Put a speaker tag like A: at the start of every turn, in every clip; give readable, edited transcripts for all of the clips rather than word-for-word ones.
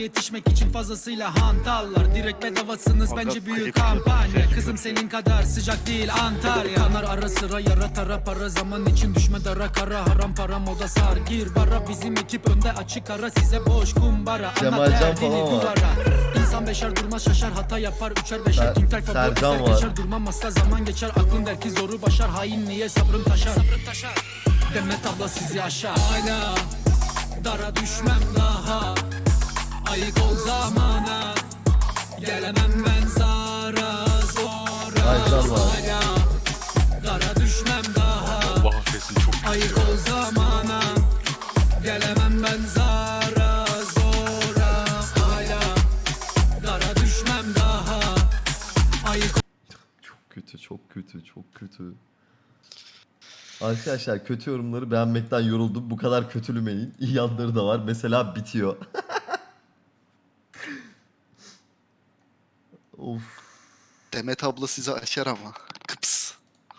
A: Yetişmek için fazlasıyla hantallar. Direkt bedavasınız bence büyük kampanya. Kızım senin kadar sıcak değil Antalya. Kanar ara sıra yara tara para. Zaman için düşme dara kara. Haram para moda sar gir bara. Bizim ekip önde açık ara. Size boş kumbara. Anlat derdini duvara. İnsan beşer durmaz şaşar. Hata yapar üçer beşer. King tayfa bu eser geçer. Durmam asla zaman geçer. Aklın der ki zoru başar. Hain niye sabrım taşar. Demet abla sizi aşar. Hala dara düşmem daha. Ayık ol zamana. Gelemem ben zara zora. Hala dara düşmem daha.
B: Allah affetsin çok kötü.
A: Ayık ol zamana. Gelemem ben zara zora. Hala dara düşmem daha. Ayık
C: Çok kötü, çok kötü, çok kötü. Arkadaşlar kötü yorumları beğenmekten yoruldum. Bu kadar kötülümeyin. İyi yanları da var. Mesela bitiyor. Of.
D: Demet abla sizi aşar ama. Kıps.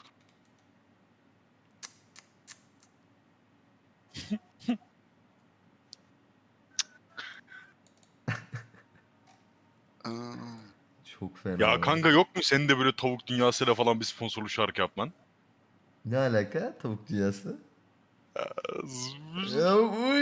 D: Aa,
C: Çok fena.
B: Ya kanka yok mu senin de böyle tavuk dünyasıyla falan bir sponsorlu şarkı yapman?
C: Ne alaka? Tavuk dünyası. Ya bu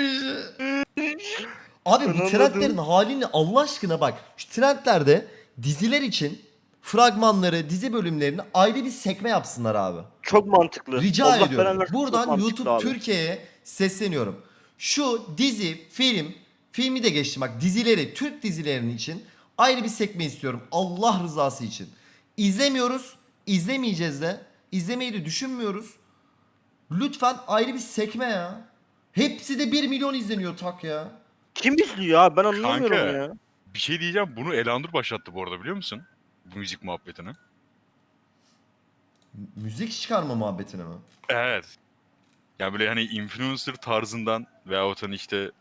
C: Abi bu trendlerin halini Allah aşkına bak. Şu trendlerde diziler için fragmanları, dizi bölümlerini ayrı bir sekme yapsınlar abi.
E: Çok mantıklı.
C: Rica
E: Allah
C: ediyorum.
E: belanı versin, çok
C: Buradan
E: mantıklı
C: YouTube
E: abi.
C: Türkiye'ye sesleniyorum. Şu dizi, filmi de geçtim bak dizileri, Türk dizilerinin için ayrı bir sekme istiyorum. Allah rızası için. İzlemiyoruz, izlemeyeceğiz de, izlemeyi de düşünmüyoruz. Lütfen ayrı bir sekme ya. Hepsi de 1 milyon izleniyor tak ya.
E: Kim izliyor abi ben anlamıyorum
B: Kanka.
E: ya.
B: Bir şey diyeceğim, bunu Elanur başlattı bu arada biliyor musun? Bu müzik muhabbetini.
C: Müzik çıkarma muhabbetine mi?
B: Evet. Yani böyle hani influencer tarzından veyahut hani işte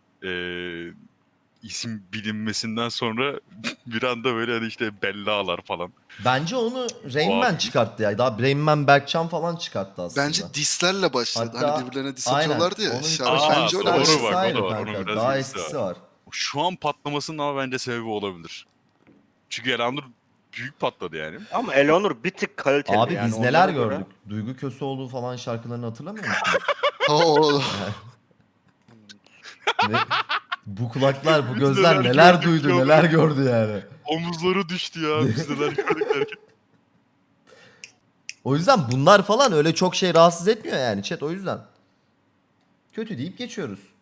B: isim bilinmesinden sonra bir anda böyle hani işte bellalar falan.
C: Bence onu Rain Man
B: Abi.
C: çıkarttı ya. Daha Rain Man Berkcan falan çıkarttı aslında.
D: bence dislerle başladı.
C: Hatta-
D: Hani birbirlerine dis
C: aynen.
D: atıyorlardı ya.
C: Onun
D: Şarkı
B: Aa,
D: bence öyle
B: doğru
D: başladı.
B: bak, o
C: ayrı
B: da var.
C: kanka.
B: Onun biraz
C: Daha
B: ilgisi
C: eskisi var.
B: Şu an patlamasının ama bence sebebi olabilir. Çünkü Elanur büyük patladı yani.
E: Ama Eleanor bir tık kaliteli
C: Abi
E: yani.
C: biz neler
E: onlara göre.
C: gördük? Duygu Köseoğlu falan şarkılarını hatırlamıyor musunuz?
D: Oo,
C: Ne? Bu kulaklar, bu
B: Biz
C: gözler
B: neler
C: neler
B: gördük
C: duydu,
B: ya.
C: neler gördü yani.
B: Omuzları düştü ya. Biz neler gördük derken.
C: O yüzden bunlar falan öyle çok şey rahatsız etmiyor yani chat o yüzden. Kötü deyip geçiyoruz.